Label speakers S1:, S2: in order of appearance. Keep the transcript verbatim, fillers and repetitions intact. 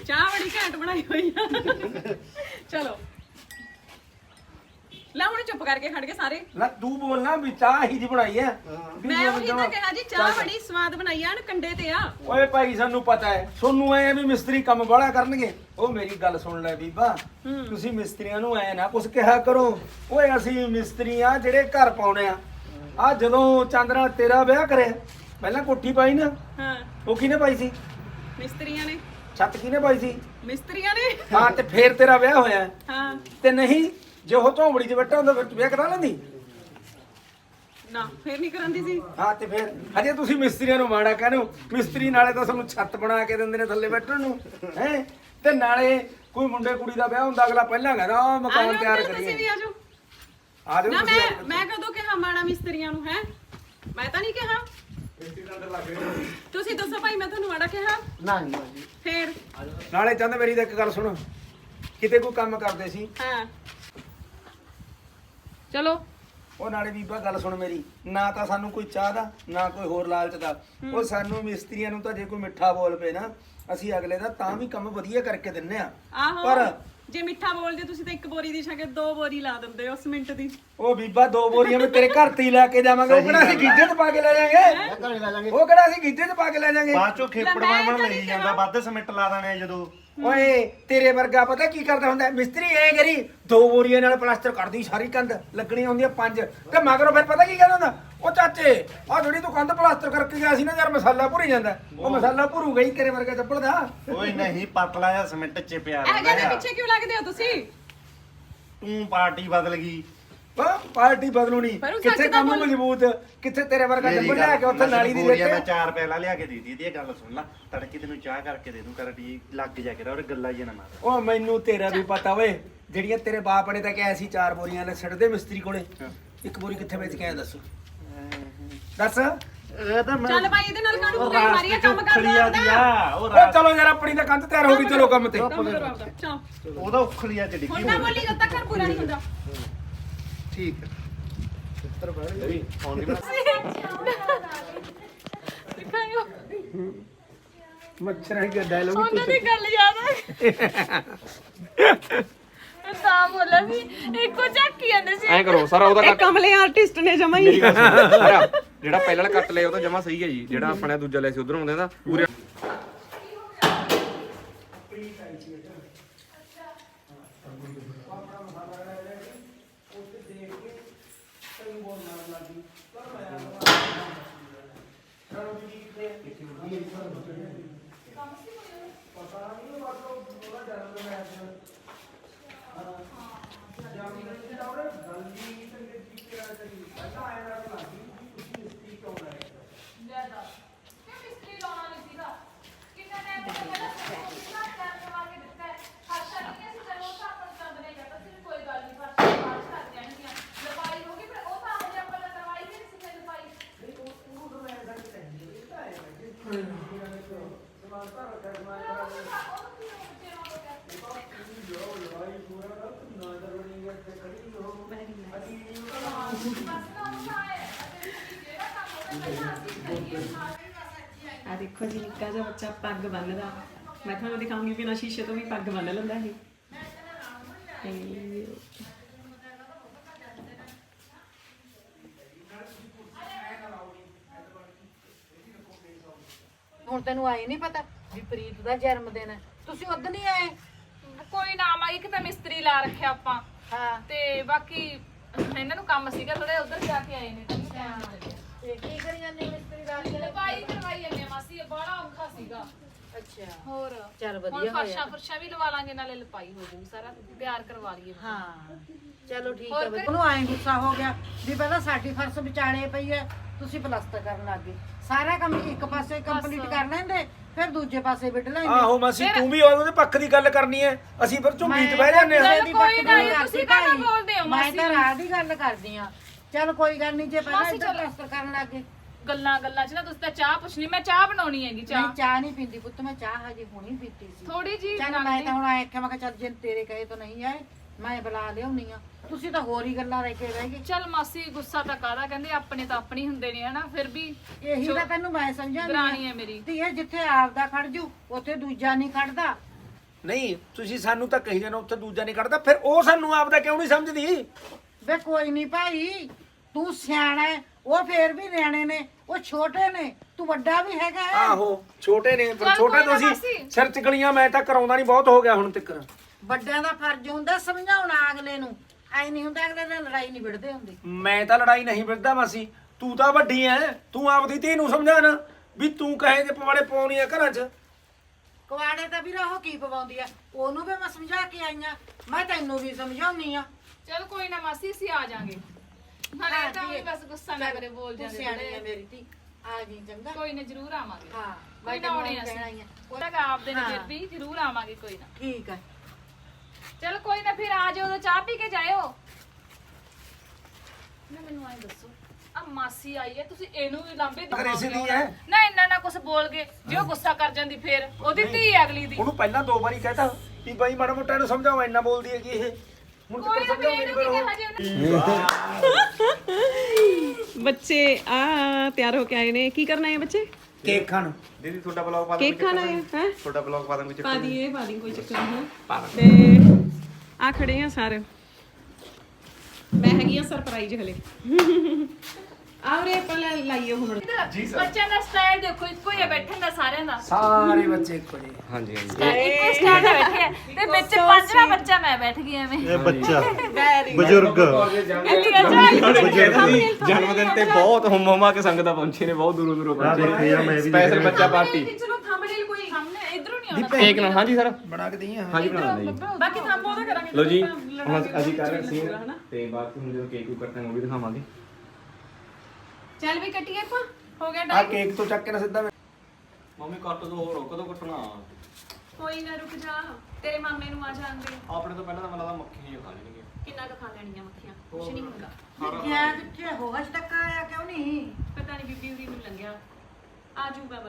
S1: ਚਾਹ ਬੜੀ ਘੈਂਟ ਬਣਾਈ ਹੋਈ ਆ ਚਲੋ ਲੈ ਹੁਣ ਚੁੱਪ ਕਰਕੇ ਖੜ ਕੇ ਸਾਰੇ
S2: ਨਾ ਤੂੰ ਬੋਲਣਾ ਵੀ ਚਾਹ ਹੀ ਦੀ ਬਣਾਈ ਹੈ
S1: ਮੈਂ ਉਹੀ ਤਾਂ ਕਿਹਾ ਜੀ ਚਾਹ ਬੜੀ ਸਵਾਦ ਬਣਾਈ ਆ ਕੰਡੇ ਤੇ ਆ
S2: ਓਏ ਭਾਈ ਸਾਨੂੰ ਪਤਾ ਹੈ ਸੋਨੂੰ ਐ ਵੀ ਮਿਸਤਰੀ ਕੰਮ ਬੜਾ ਕਰਨਗੇ ਉਹ ਮੇਰੀ ਗੱਲ ਸੁਣ ਲੈ ਬੀਬਾ ਤੁਸੀਂ ਮਿਸਤਰੀਆਂ ਨੂੰ ਐ ਨਾ ਕੁਛ ਕਿਹਾ ਕਰੋ ਓਏ ਅਸੀਂ ਮਿਸਤਰੀ ਆ ਜਿਹੜੇ ਘਰ ਪਾਉਣੇ ਆ ਆ ਜਦੋਂ ਚੰਦਰਾ ਤੇਰਾ ਵਿਆਹ ਕਰਿਆ ਪਹਿਲਾਂ ਕੋਠੀ ਪਾਈ ਨਾ
S1: ਹਾਂ
S2: ਉਹ ਕਿਹਨੇ ਪਾਈ ਸੀ
S1: ਮਿਸਤਰੀਆਂ ਨੇ
S2: ਛੱਤ ਕਿਹਨੇ ਪਾਈ ਸੀ
S1: ਮਿਸਤਰੀਆਂ ਨੇ
S2: ਹਾਂ ਤੇ ਫੇਰ ਤੇਰਾ ਵਿਆਹ ਹੋਇਆ
S1: ਹਾਂ
S2: ਤੇ ਨਹੀਂ ਜੇ ਉਹ ਝੋਂਬੜੀ 'ਚ ਬੈਠਾ ਹੁੰਦਾ ਫਿਰ ਤੂੰ ਵਿਆਹ ਕਰਾ ਲੈਂਦੀ
S1: ਨਾ ਫੇਰ ਨਹੀਂ ਕਰਾਂਦੀ ਸੀ
S2: ਹਾਂ ਤੇ ਫਿਰ ਹਜੇ ਤੁਸੀਂ ਮਿਸਤਰੀਆਂ ਨੂੰ ਮਾੜਾ ਕਹਿੰਦੇ ਹੋ ਮਿਸਤਰੀ ਨਾਲੇ ਤਾਂ ਸਾਨੂੰ ਛੱਤ ਬਣਾ ਕੇ ਦਿੰਦੇ ਨੇ ਥੱਲੇ ਬੈਠਣ ਨੂੰ ਹੈ ਤੇ ਨਾਲੇ ਕੋਈ ਮੁੰਡੇ ਕੁੜੀ ਦਾ ਵਿਆਹ ਹੁੰਦਾ ਅਗਲਾ ਪਹਿਲਾਂ ਕਹਿੰਦਾ ਆ ਮਕਾਨ ਤਿਆਰ
S1: ਤੁਸੀਂ ਵੀ
S2: ਕਰੀਏ
S1: ਆਜੋ
S2: ਆ ਜਾਓ
S1: ਨਾ
S2: ਤੁਸੀਂ
S1: ਮੈਂ ਮੈਂ ਕਦੋਂ ਕਿਹਾ ਮਾੜਾ ਮਿਸਤਰੀਆਂ ਨੂੰ ਹੈ ਮੈਂ ਤਾਂ ਨਹੀਂ ਕਿਹਾ ਤੁਸੀਂ ਦੱਸੋ ਭਾਈ ਮੈਂ ਤੁਹਾਨੂੰ ਮਾੜਾ ਕਿਹਾ
S3: ਨਾ ਨਹੀਂ
S1: ਫੇਰ
S2: ਨਾਲੇ ਚੰਦ ਮੇਰੀ ਤਾਂ ਇੱਕ ਗੱਲ ਸੁਣ ਕਿਤੇ ਕੋਈ ਕੰਮ ਕਰਦੇ ਸੀ
S1: ਹਾਂ ਚਲੋ
S2: ਉਹ ਨਾਲੇ ਬੀਬਾ ਗੱਲ ਸੁਣ ਮੇਰੀ ਨਾ ਤਾਂ ਸਾਨੂੰ ਕੋਈ ਚਾਹ ਦਾ ਨਾ ਕੋਈ ਹੋਰ ਲਾਲਚ ਦਾ ਉਹ ਸਾਨੂੰ ਮਿਸਤਰੀਆਂ ਨੂੰ ਤਾਂ ਜੇ ਕੋਈ ਮਿੱਠਾ ਬੋਲ ਪਏ ਨਾ ਅਸੀਂ ਅਗਲੇ ਦਾ ਤਾਂ ਵੀ ਕੰਮ ਵਧੀਆ ਕਰਕੇ ਦਿੰਨੇ ਆ
S1: ਆਹੋ
S2: ਪਰ
S1: ਜੇ ਮਿੱਠਾ ਬੋਲਦੇ ਤੁਸੀਂ ਤਾਂ ਇੱਕ ਬੋਰੀ ਦੀ ਛਾਗੇ ਦੋ ਬੋਰੀ ਲਾ ਦਿੰਦੇ ਹੋ ਸਿਮੈਂਟ ਦੀ
S2: ਉਹ ਬੀਬਾ ਦੋ ਬੋਰੀਆਂ ਮੈਂ ਤੇਰੇ ਘਰ ਤੇ ਹੀ ਲੈ ਕੇ ਜਾਵਾਂਗੇ ਉਹ ਕਿਹੜਾ ਅਸੀਂ ਗੀਜੇ 'ਚ ਪਾ ਕੇ ਲੈ ਜਾਾਂਗੇ
S3: ਘਰੇ ਲੈ ਜਾਾਂਗੇ
S2: ਉਹ ਕਿਹੜਾ ਅਸੀਂ ਗੀਜੇ 'ਚ ਪਾ ਕੇ ਲੈ ਜਾਾਂਗੇ
S4: ਬਾਅਦ ਚੋਂ ਖੇਪੜ
S1: ਲੈ ਮੈਂ
S4: ਬਣ
S1: ਤਾਂ
S4: ਲਈ
S1: ਨਹੀਂ
S4: ਜਾਂਦਾ ਵੱਧ ਸਿਮੈਂਟ ਲਾ ਦੇਣੇ ਜਦੋਂ
S2: ਓਏ ਤੇਰੇ ਵਰਗਾ ਪਤਾ ਕੀ ਕਰਦਾ ਹੁੰਦਾ ਮਿਸਤਰੀ ਐ ਕਰੀ ਦੋ ਬੋਰੀਆਂ ਨਾਲ ਪਲਾਸਟਰ ਕਰਦੀ ਸਾਰੀ ਕੰਧ ਲੱਗਣੀਆਂ ਹੁੰਦੀਆਂ ਪੰਜ ਤੇ ਮਗਰੋਂ ਫਿਰ ਪਤਾ ਕੀ ਕਹਿੰਦਾ ਹੁੰਦਾ ਉਹ ਚਾਚੇ ਆ ਜਿਹੜੀ ਤੂੰ ਕੰਧ ਪਲਾਸਟਰ ਕਰਕੇ ਗਿਆ ਸੀ ਨਾ ਯਾਰ ਮਸਾਲਾ ਭੁਰੀ ਜਾਂਦਾ ਉਹ ਮਸਾਲਾ ਭਰੂਗਾ ਹੀ ਤੇਰੇ ਵਰਗਾ ਚੱਪਲ ਦਾ
S4: ਓਏ ਨਹੀਂ ਪਤਲਾ ਜਿਹਾ ਸਿਮੈਂਟ ਚ ਪਿਆ
S1: ਇਹ
S4: ਰਹਿੰਦਾ
S1: ਜਿਹੇ
S4: ਆ।
S1: ਪਿੱਛੇ ਕਿਉਂ ਲੱਗਦੇ ਹੋ ਤੁਸੀਂ
S4: ਤੂੰ ਪਾਰਟੀ ਬਦਲ ਗਈ
S2: ਹਾਂ ਪਾਰਟੀ ਬਦਲੂਣੀ
S1: ਪਰ ਉਹ ਸੱਚ
S2: ਕਿੱਥੇ
S1: ਤਾਂ
S2: ਕੰਮ
S1: ਬੋਲ-
S2: ਮਜ਼ਬੂਤ ਕਿੱਥੇ ਤੇਰੇ ਵਰਗਾ
S4: ਮੇਰੀ
S2: ਚੱਪਲ ਲਿਆ ਕੇ ਉੱਥੇ
S4: ਗੱਲ-
S2: ਨਾਲੀ ਦੀ
S4: ਬੋਰੀਆਂ ਮੈਂ
S2: ਰੇਤੇ
S4: ਚਾਰ ਪੈਲਾ ਲਿਆ ਕੇ ਦੇ ਦਿੱਤੀ ਇਹ ਗੱਲ ਸੁਣ ਲੈ ਤੜਕੇ ਤੈਨੂੰ ਚਾਹ ਕਰਕੇ ਦੇ ਦੂੰ ਕਰ ਟੀ ਲੱਗ ਜਾ ਕੇ ਔਰ ਗੱਲਾਂ ਜਿਹਾ ਨਾ ਮਾਰ
S2: ਉਹ ਮੈਨੂੰ ਤੇਰਾ ਵੀ ਪਤਾ ਓਏ ਜਿਹੜੀਆਂ ਤੇਰੇ ਬਾਪ ਨੇ ਤਾਂ ਕਿਹਾ ਸੀ ਚਾਰ ਬੋਰੀਆਂ ਲੈ ਛੱਡਦੇ ਮਿਸਤਰੀ ਕੋਲੇ ਇੱਕ ਬੋਰੀ ਕਿੱਥੇ ਵੇਚ ਕੇ ਆਇਆ ਦੱਸ ਦੱਸ
S4: ਇਹ ਤਾਂ ਮੈਂ
S1: ਚੱਲ ਭਾਈ ਇਹਦੇ ਨਾਲ ਕਾਹਨੂੰ ਕੋਈ ਮਾਰੀਆ ਕੰਮ ਕਰ
S4: ਉਖਲੀਆ ਦੀ ਆ ਉਹ
S2: ਉਹ ਚਲੋ ਯਾਰ ਆਪਣੀ ਤਾਂ ਕੰਧ ਤਿਆਰ ਹੋ ਗਈ ਚਲੋ ਕੰਮ ਤੇ
S1: ਚਲੋ
S4: ਉਹਦਾ ਉਖਲੀਆ ਚ ਡਿੱਗੀ
S1: ਹੁਣ ਨਾ ਬੋਲੀ ਜਦ ਤੱਕ ਘਰ ਪੂਰਾ ਨਹੀਂ ਹੁੰਦਾ
S4: ਠੀਕ ਹੈ ਚਿੱਤਰ ਬਣ ਗਈ ਫੋਨ
S1: ਦਿਖਾਇਓ
S2: ਮੱਛਰਾਂ ਦਾ ਡਾਇਲੋਗ
S1: ਉਹਨਾਂ ਦੀ ਗੱਲ ਯਾਦ ਆ ਮੈਂ ਤਾਂ ਬੋਲਿਆ ਸੀ ਇੱਕੋ ਝਾਕੀ ਜਾਂਦੇ ਸੀ
S5: ਐਂ ਕਰੋ ਸਾਰਾ ਉਹਦਾ
S1: ਇਹ ਕਮਲੇ ਆਰਟਿਸਟ ਨੇ ਜਮਾ ਹੀ
S5: ਮੇਰੀ ਗੱਲ ਸੁਣੋ ਸਾਰਾ ਜਿਹੜਾ ਪਹਿਲਾਂ ਵਾਲਾ ਕੱਟ ਲਿਆ ਉਹ ਤਾਂ ਜਮਾ ਸਹੀ ਹੈ ਜੀ ਜਿਹੜਾ ਆਪਣੇ ਦੂਜਾ ਲਿਆ ਸੀ ਉਧਰੋਂ ਆਉਂਦੇ ਦਾ ਪੂਰੇ
S1: ਆ ਦੇਖੋ ਜੀ ਨਿੱਕਾ ਜਿਹਾ ਬੱਚਾ ਪੱਗ ਬੰਨਦਾ ਮੈਂ ਤੁਹਾਨੂੰ ਦਿਖਾਉਂਗੀ ਕਿ ਨਾ ਸ਼ੀਸ਼ੇ ਤੋਂ ਵੀ ਪੱਗ ਬੰਨ ਲੈਂਦਾ ਇਹ ਇਹ
S6: ਹੁਣ ਤੈਨੂੰ ਆਏ ਨਹੀਂ ਪਤਾ ਵੀ ਪ੍ਰੀਤ ਦਾ ਜਨਮ ਦਿਨ ਹੈ ਤੁਸੀਂ ਉਦੋਂ ਨਹੀਂ ਆਏ
S7: ਕੋਈ ਨਾ ਮਾਈ ਇੱਕ ਤਾਂ ਮਿਸਤਰੀ ਲਾ ਰੱਖਿਆ ਆਪਾਂ
S6: ਹਾਂ
S7: ਤੇ ਬਾਕੀ ਇਹਨਾਂ ਨੂੰ ਕੰਮ ਸੀਗਾ ਥੋੜੇ ਉਧਰ ਜਾ ਕੇ ਆਏ ਨੇ ਤਾਂ ਟਾਈਮ ਨਾ ਲੱਗਿਆ
S6: ਤੇ ਕੀ ਕਰੀ ਜਾਂਦੇ ਮਿਸਤਰੀ ਦਾ
S7: ਲਪਾਈ ਕਰਵਾਈ ਜਾਂਦੇ ਆ ਮਾਸੀ ਬੜਾ ਔਖਾ ਸੀਗਾ
S6: ਅੱਛਾ
S7: ਹੋਰ
S6: ਚੱਲ
S7: ਹੁਣ
S6: ਵਧੀਆ ਹੋਇਆ
S7: ਫਰਸ਼ਾਂ ਫਰਸ਼ਾਂ ਵੀ ਲਵਾ ਲਾਂਗੇ ਨਾਲੇ ਲਪਾਈ ਹੋ ਜੂਗੀ ਸਾਰਾ ਤਿਆਰ ਕਰਵਾ ਲਈਏ
S6: ਹਾਂ ਚਲੋ ਠੀਕ
S7: ਹੋਰ
S6: ਹੈ
S7: ਫਿਰ?
S6: ਉਹਨੂੰ ਆਏ ਗੁੱਸਾ ਹੋ ਗਿਆ ਵੀ ਪਹਿਲਾਂ ਸਾਡੀ ਫਰਸ਼ ਵਿਚਾਲੇ ਪਈ ਹੈ ਤੁਸੀਂ ਪਲਸਤਰ ਕਰਨ ਲੱਗ ਗਏ ਸਾਰਾ ਕੰਮ ਇੱਕ ਪਾਸੇ ਕੰਪਲੀਟ ਕਰ ਲੈਂਦੇ ਫਿਰ ਦੂਜੇ ਪਾਸੇ ਵਿੱਢ ਲੈਂਦੇ
S2: ਆਹੋ ਮਾਸੀ ਤੂੰ ਵੀ ਉਹਦੇ ਪੱਖ ਦੀ ਗੱਲ ਕਰਨੀ ਹੈ ਅਸੀਂ ਫਿਰ ਝੁੰਮੀ 'ਚ ਬਹਿ ਜਾਂਦੇ ਆ
S7: ਚੱਲ
S6: ਦੀ
S7: ਕੋਈ
S6: ਪੱਕ
S7: ਨਾ,
S6: ਨਹੀਂ
S7: ਤੁਸੀਂ
S6: ਕਰਦੀ
S7: ਕਾਹਦਾ
S6: ਭਾਈ।
S7: ਬੋਲਦੇ ਹੋ
S6: ਮੈਂ
S7: ਮਾਸੀ?
S6: ਤਾਂ ਰਾਹ ਦੀ ਗੱਲ ਕਰਦੀ ਆ ਚਲ ਕੋਈ ਗੱਲ ਨਹੀਂ ਜੇ ਪਹਿਲਾਂ
S7: ਮਾਸੀ
S6: ਇੱਧਰ
S7: ਚੱਲ।
S6: ਪਲਸਤਰ ਕਰਨ ਲੱਗ ਗਏ
S7: ਗੱਲਾਂ ਗੱਲਾਂ ਚ ਨਾ ਤੁਸੀਂ ਤਾਂ ਚਾਹ ਪੁੱਛਣੀ ਮੈਂ ਚਾਹ ਬਣਾਉਣੀ ਹੈਗੀ
S6: ਮੈਂ
S7: ਚਾਹ
S6: ਚਾਹ ਨਹੀਂ ਪੀਂਦੀ ਪੁੱਤ ਮੈਂ ਚਾਹ ਹਜੇ ਹੁਣੀ ਪੀਤੀ ਸੀ
S7: ਥੋੜੀ ਜੀ
S6: ਚੱਲ ਮੈਂ ਤਾਂ ਹੁਣ ਆਇਆ ਕਿ ਮੈਂ ਕਿਹਾ ਚੱਲ ਜੇ ਤੇਰੇ ਕਹੇ ਤਾਂ ਨਹੀਂ ਆਏ ਮੈਂ ਬੁਲਾ ਲਿਆਉਣੀ ਆ ਤੁਸੀਂ ਤਾਂ ਹੋਰ ਹੀ ਗੱਲਾਂ ਲੈ ਕੇ ਰਹਿ ਗਏ
S7: ਚੱਲ ਮਾਸੀ ਗੁੱਸਾ ਤਾਂ ਕਾਹਦਾ ਕਹਿੰਦੇ ਆਪਣੇ ਤਾਂ ਆਪਣੀ ਹੁੰਦੇ ਨੇ ਹਨਾ ਫਿਰ ਵੀ
S6: ਇਹੀ ਤਾਂ ਤੈਨੂੰ ਮੈਂ ਸਮਝਾਉਂਦੀ
S7: ਦਰਾਣੀ ਹੈ ਮੇਰੀ
S6: ਧੀਏ ਜਿੱਥੇ ਆਪਦਾ ਖੜ ਜੂ ਉੱਥੇ ਦੂਜਾ ਨਹੀਂ ਖੜਦਾ
S2: ਨਹੀਂ ਤੁਸੀਂ ਸਾਨੂੰ ਤਾਂ ਕਹੀ ਜਾਣਾ ਉੱਥੇ ਦੂਜਾ ਨਹੀਂ ਕੱਢਦਾ, ਫਿਰ ਉਹ ਸਾਨੂੰ ਆਪਦਾ ਕਿਉਂ ਨਹੀਂ ਸਮਝਦੀ?
S6: ਵੇ ਕੋਈ ਨਹੀਂ ਭਾਈ, ਤੂੰ ਸਿਆਣਾ ਹੈ, ਉਹ ਫੇਰ ਵੀ ਨਿਆਣੇ ਨੇ, ਉਹ ਛੋਟੇ ਨੇ, ਤੂੰ ਵੱਡਾ ਵੀ ਹੈਗਾ ਹੈ।
S2: ਆਹੋ ਛੋਟੇ ਨੇ, ਪਰ
S7: ਚੱਲ
S2: ਛੋਟੇ
S7: ਕੋਈ ਨਾ
S2: ਤੁਸੀਂ
S7: ਮਾਸੀ।
S2: ਸਿਰ ਚਕਲੀਆਂ ਮੈਂ ਤਾਂ ਕਰਾਉਂਦਾ ਨਹੀਂ, ਬਹੁਤ ਹੋ ਗਿਆ ਹੁਣ ਤੱਕ।
S6: ਵੱਡਿਆਂ ਦਾ ਫਰਜ਼ ਹੁੰਦਾ ਸਮਝਾਉਣਾ ਅਗਲੇ ਨੂੰ, ਐ ਨਹੀਂ ਹੁੰਦਾ ਅਗਲੇ ਨਾਲ ਲੜਾਈ ਨਹੀਂ ਵਿੜਦੇ ਹੁੰਦੇ।
S2: ਮੈਂ ਤਾਂ ਲੜਾਈ ਨਹੀਂ ਵਿੜਦਾ ਮਾਸੀ, ਤੂੰ ਤਾਂ ਵੱਡੀ ਐ, ਤੂੰ ਆਪਦੀ ਧੀ ਨੂੰ ਸਮਝਾ ਨਾ ਵੀ ਤੂੰ ਕਹੇ ਜੇ ਪਵਾੜੇ ਪਾਉਣੀ ਆ ਘਰਾਂ 'ਚ।
S6: ਕੁਆੜੇ ਤਾਂ ਵੀਰ ਉਹ ਕੀ ਪਵਾਉਂਦੀ ਆ, ਉਹਨੂੰ ਵੀ ਮੈਂ ਸਮਝਾ ਕੇ ਆਈਆਂ, ਮੈਂ ਤੈਨੂੰ ਵੀ ਸਮਝਾਉਣੀ ਆ।
S7: ਚਲ ਕੋਈ ਨਾ ਮਾਸੀ ਅਸੀਂ ਆ ਜਾਾਂਗੇ। ਨਾਲੇ ਤਾਂ ਵੀ ਬਸ ਗੁੱਸਾ ਨਾ ਕਰੇ, ਬੋਲ
S6: ਤੂੰ
S7: ਜਾਂਦੇ
S6: ਸਿਆਣੀ ਆ
S7: ਜਿਹੜੇ।
S6: ਮੇਰੀ ਧੀ, ਆ ਜੀ ਚੰਗਾ।
S7: ਕੋਈ ਨਾ ਜ਼ਰੂਰ ਆਵਾਂਗੇ।
S6: ਹਾਂ
S7: ਕੋਈ ਨਾ ਆਉਣੇ ਅਸੀਂ, ਉਹਦਾ ਕਾ ਆਪਦੇ ਨੇ ਫਿਰ ਵੀ ਜ਼ਰੂਰ ਆਵਾਂਗੇ ਕੋਈ ਨਾ।
S6: ਠੀਕ ਹੈ।
S7: ਚਲ ਕੋਈ ਨਾ ਫਿਰ ਆ ਜਾਓ, ਉਦੋਂ ਚਾਹ ਪੀ ਕੇ ਜਾਇਓ। ਨਾ ਮੈਨੂੰ ਆਏ ਦੱਸੋ, ਆ ਮਾਸੀ ਆਈ ਹੈ, ਤੁਸੀਂ ਇਹਨੂੰ ਵੀ ਲਾਂਬੇ
S2: ਅਗਰ ਇਸੇ ਦੀ
S7: ਦਿਖਾਓਗੇ
S2: ਹੈ।
S7: ਹੁਣ? ਨਾ ਇੰਨਾ ਨਾ ਕੁਝ ਬੋਲ ਗਏ, ਜੇ ਉਹ ਗੁੱਸਾ ਕਰ ਜਾਂਦੀ ਫਿਰ ਉਹਦੀ ਧੀ ਹੈ ਅਗਲੀ ਦੀ।
S2: ਉਹਨੂੰ ਪਹਿਲਾਂ ਦੋ ਵਾਰੀ ਕਹਿਤਾ ਵੀ ਬਾਈ ਮਾੜਾ ਮੋਟਾ ਇਹਨੂੰ ਸਮਝਾਓ, ਇੰਨਾ ਬੋਲਦੀ ਹੈਗੀ ਇਹ। ਹੁਣ
S7: ਕੋਈ
S2: ਤੱਕ
S7: ਨਾ
S2: ਸਮਝਾਓ
S7: ਫਿਰ
S2: ਮੇਰੀ
S7: ਇਹਨੂੰ ਕੀ
S2: ਗੱਲ।
S7: ਕਿਹਾ ਜੇ ਉਹਨੇ।
S3: ਬੱਚੇ ਆ ਤਿਆਰ ਹੋ ਕੇ ਆਏ ਨੇ, ਕੀ ਕਰਨਾ ਹੈ ਬੱਚੇ?
S2: ਕੇਕ ਖਾਣ।
S5: ਦੀਦੀ ਤੁਹਾਡਾ ਬਲੌਗ ਪਾ
S3: ਕੇਕ ਖਾਣਾ ਹੈ ਹੈ
S5: ਤੁਹਾਡਾ ਬਲੌਗ ਪਾ ਦਾਂ ਕੋਈ
S3: ਪਾ
S5: ਚੱਕਰ
S3: ਦੀਏ ਪਾ ਦੀ, ਕੋਈ ਚੱਕਰ ਨਹੀਂ ਹੈ। ਤੇ ਆ ਖੜੇ ਆ ਸਾਰੇ, ਮੈਂ ਹੈਗੀ ਆ ਸਰਪ੍ਰਾਈਜ਼ ਹਲੇ। ਆਉਰੇ ਪਹਿਲਾਂ ਲਾਈਏ ਹੁਣ।
S7: ਬੱਚਿਆਂ ਦਾ ਸਟਾਈਲ ਦੇਖੋ, ਇੱਕੋ ਹੀ ਹੈ ਬੈਠਣ ਦਾ ਸਾਰਿਆਂ ਦਾ।
S2: ਸਾਰੇ ਬੱਚੇ ਇੱਕੋ ਜਿਹੇ।
S5: ਹਾਂਜੀ ਹਾਂਜੀ
S7: ਇੱਕੋ ਸਟਾਈਲ ਦਾ ਬੈਠੇ ਆ ਤੇ ਵਿੱਚ ਪੰਜਵਾਂ ਬੱਚਾ ਮੈਂ ਬੈਠ ਗਈ ਐਵੇਂ।
S4: ਇਹ ਬੱਚਾ
S3: ਵੈਰੀ
S4: ਬਜ਼ੁਰਗ
S5: ਜਨਮ ਦਿਨ ਤੇ ਬਹੁਤ ਹੁਮ ਹੁਮਾ ਕੇ ਸੰਗਤਾਂ ਪਹੁੰਚੇ ਨੇ, ਬਹੁਤ ਦੂਰੋਂ ਦੂਰੋਂ
S4: ਆਹ ਦੇਖੋ ਯਾਰ, ਮੈਂ ਵੀ
S5: ਪਹੁੰਚੇ। ਸਪੈਸ਼ਲ ਬੱਚਾ ਪਾਰਟੀ
S3: ਚਲੋ ਥੰਬਨੇਲ ਕੋਈ
S7: ਸਾਹਮਣੇ ਇਧਰੋਂ ਨਹੀਂ ਆਉਣਾ।
S5: ਕੇਕ ਨਾਲ। ਹਾਂਜੀ ਸਰ,
S2: ਬਣਾ ਕੇ ਦਈਏ।
S5: ਹਾਂਜੀ ਬਣਾ ਦਿੰਦੇ ਜੀ।
S3: ਬਾਕੀ ਥੰਬ ਉਹਦਾ ਕਰਾਂਗੇ।
S5: ਲੋ ਜੀ, ਹੁਣ ਅਸੀਂ ਕਰ ਰਹੇ ਸੀ ਤੇ ਬਾਅਦ ਵਿੱਚ ਜਦੋਂ ਕੇਕ ਨੂੰ ਕੱਟਾਂਗੇ ਉਹ ਵੀ ਦਿਖਾਵਾਂਗੇ।
S3: ਚੱਲ ਵੀ ਕੱਟੀਏ ਆਪਾਂ, ਹੋ ਗਿਆ
S2: ਆ
S3: ਟਾਈਮ।
S2: ਕੇਕ ਤੋਂ ਚੱਕ ਕੇ ਨਾ ਸਿੱਧਾ
S5: ਮੰਮੀ ਕੱਟ ਦੋ, ਹੋਰ ਕਦੋਂ ਕੱਟਣਾ?
S3: ਕੋਈ ਨਾ ਰੁਕ ਜਾ, ਤੇਰੇ ਮਾਮੇ ਨੂੰ ਆ ਜਾਂਦੇ।
S5: ਆਪਣੇ ਤੋਂ ਪਹਿਲਾਂ ਤਾਂ ਮੈਨੂੰ ਲੱਗਦਾ ਮੱਖੀ ਹੀ ਖਾ ਲੈਣਗੇ।
S3: ਕਿੰਨਾ ਕੁ ਖਾ ਲੈਣੀਆਂ ਮੱਖੀਆਂ, ਕੁਛ ਨਹੀਂ ਹੁੰਦਾ।
S6: ਗਿਆ ਕਿੱਥੇ ਹੋ, ਅਜ ਤੱਕ ਆਇਆ ਕਿਉਂ ਨਹੀਂ?
S3: ਪਤਾ ਨਹੀਂ ਬੀਬੀ ਉਰੀ ਨੂੰ ਲੰਘਿਆ, ਆ ਜਾਊਗਾ।